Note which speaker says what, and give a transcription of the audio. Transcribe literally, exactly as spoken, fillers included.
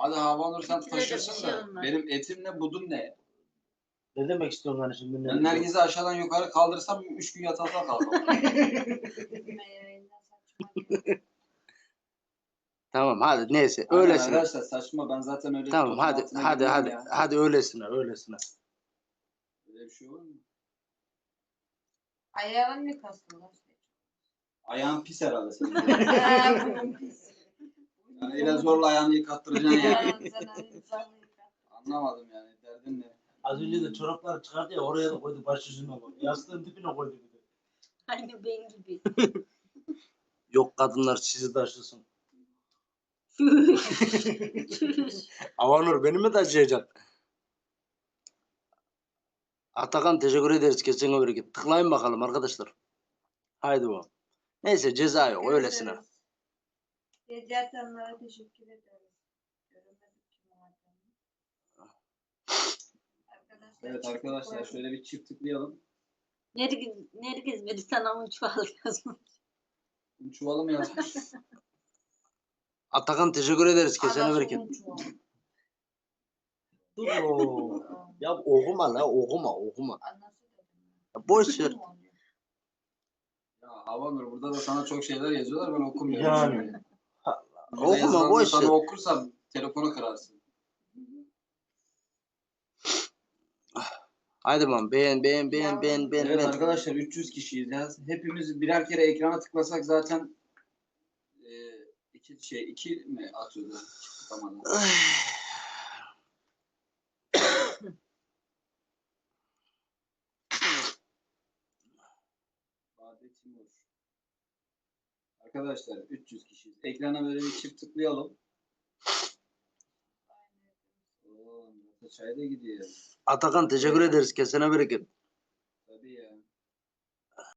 Speaker 1: Hadi Havanur sen
Speaker 2: Etine de bir
Speaker 1: taşırsın
Speaker 2: şey
Speaker 1: da.
Speaker 2: olmaz.
Speaker 1: Benim etim ne budum ne?
Speaker 3: Ne demek istiyorsun lan şimdi?
Speaker 1: Ben Nergiz'i aşağıdan yukarı kaldırsam üç gün yatakta kalkamam.
Speaker 4: Tamam hadi neyse
Speaker 1: Aynen
Speaker 4: öylesine.
Speaker 1: arkadaşlar saçma, ben zaten öyle
Speaker 4: Tamam
Speaker 1: tozun
Speaker 4: hadi
Speaker 1: altına
Speaker 4: hadi
Speaker 1: girmem
Speaker 4: hadi
Speaker 1: ya.
Speaker 4: hadi öylesine öylesine.
Speaker 1: Öyle bir şey olur mu?
Speaker 2: Ayağın mı kastılar?
Speaker 1: Ayağın pis herhalde senin.
Speaker 2: Eee bunun pis.
Speaker 1: Yani ile zorla ayağını yıkattıracaksın yani.
Speaker 2: Yani sen hani zorla yıkat.
Speaker 1: Anlamadım yani, derdin ne?
Speaker 3: Az önce de çorapları çıkardı ya oraya da koydu baş yüzüne koydu. Yastığın dibine koydu bir de.
Speaker 2: Aynı ben gibi.
Speaker 4: Yok kadınlar sizi taşısın.
Speaker 2: Çüş.
Speaker 4: Avanur beni mi taşıyacaksın? Atakan teşekkür ederiz kesin bereket. Tıklayın bakalım arkadaşlar. Haydi bu. Neyse ceza yok öylesine.
Speaker 2: Gece yatanlara teşekkür ederiz. Göremedik kim olduğunu. Arkadaşlar,
Speaker 1: Evet arkadaşlar şöyle bir çift tıklayalım.
Speaker 2: Nergiz, Nergiz bir sana un çuval yazmış.
Speaker 1: Çuvalı mı yazmış?
Speaker 4: Atakan teşekkür ederiz kesene
Speaker 2: Arası
Speaker 4: bereket.
Speaker 2: un çuval.
Speaker 4: Dur o. Ya okuma la okuma okuma.
Speaker 2: Anası dedim.
Speaker 4: Ya boş ver.
Speaker 1: Ya Havanur burada da sana çok şeyler yazıyorlar, ben okumuyorum.
Speaker 3: Yani.
Speaker 1: Şimdi. Burada
Speaker 4: Okuma
Speaker 1: yazılanları
Speaker 4: boş
Speaker 1: sana
Speaker 4: ver.
Speaker 1: okursam telefonu kırarsın.
Speaker 4: Haydi man beğen beğen beğen beğen beğen.
Speaker 1: Evet
Speaker 4: beğen.
Speaker 1: arkadaşlar üç yüz kişiyiz ya. Hepimiz birer kere ekrana tıklasak zaten e, iki şey iki mi atıyordu? Tamam. Bade Timur. Arkadaşlar üç yüz kişiyiz. Ekrana böyle bir çift tıklayalım. Oo, çay da gidiyor.
Speaker 4: Atakan teşekkür ederiz kesene bereket.